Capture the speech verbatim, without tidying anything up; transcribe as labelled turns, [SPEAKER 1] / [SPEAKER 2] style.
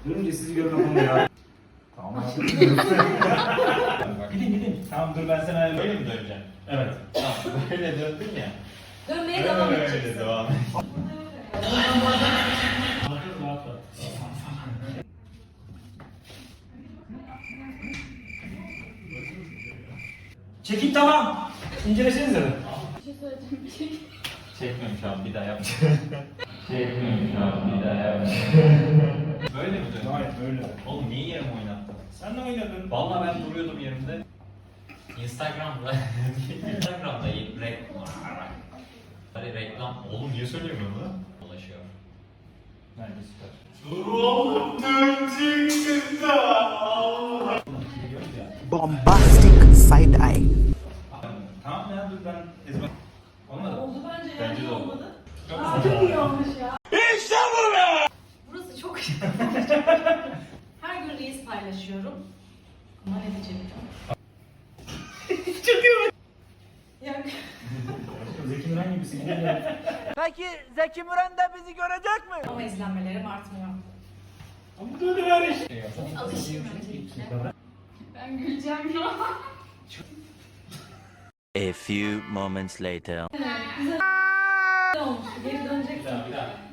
[SPEAKER 1] Durunca sizi görmem onu ya. Tamam abi. Gidin gidin. Tamam dur ben sana
[SPEAKER 2] Böyle mi döneceğim?
[SPEAKER 1] Evet.
[SPEAKER 2] Tamam böyle döndün ya.
[SPEAKER 3] Dönmeye devam
[SPEAKER 2] Öyle
[SPEAKER 3] edeceksin.
[SPEAKER 2] devam et.
[SPEAKER 1] Çekin tamam. İncelesenize de.
[SPEAKER 3] Bir şey söyleyeceğim. Bir şey.
[SPEAKER 2] Çekmiyorum şu an bir daha yapacağım. Çekmiyorum şu an bir daha yapacağım. Böyle mi döndün?
[SPEAKER 1] Hayır böyle.
[SPEAKER 2] Oğlum niye yerimi oynattın?
[SPEAKER 1] Sen de oynadın.
[SPEAKER 2] Vallahi ben duruyordum yerimde. Instagram'da Instagram'da reklam Hani reklam oğlum niye söylemiyorum lan? Dolaşıyor.
[SPEAKER 1] Bence süper.
[SPEAKER 4] Bombastic side eye.
[SPEAKER 1] Tamam ya dur ben ezber. Olmadı.
[SPEAKER 3] Oldu bence ya.
[SPEAKER 2] Bence
[SPEAKER 3] Niye
[SPEAKER 2] de oldu.
[SPEAKER 3] olmadı? Aa, çok iyi olmuş ya. İşte bu be! Burası çok iyi. Her gün reels paylaşıyorum. Ama ne diyeceğim? Çok iyi. Ya.
[SPEAKER 1] Zeki Müren gibisin.
[SPEAKER 4] Peki Zeki Müren de bizi görecek mi?
[SPEAKER 3] Ama izlenmelerim artmıyor.
[SPEAKER 1] Ama böyle ver işte.
[SPEAKER 3] Alışayım öncelikle. Ben güleceğim ya.
[SPEAKER 5] A few moments later.
[SPEAKER 3] Güzel olmuş. Geri döneceksin.
[SPEAKER 2] Bir daha bir daha.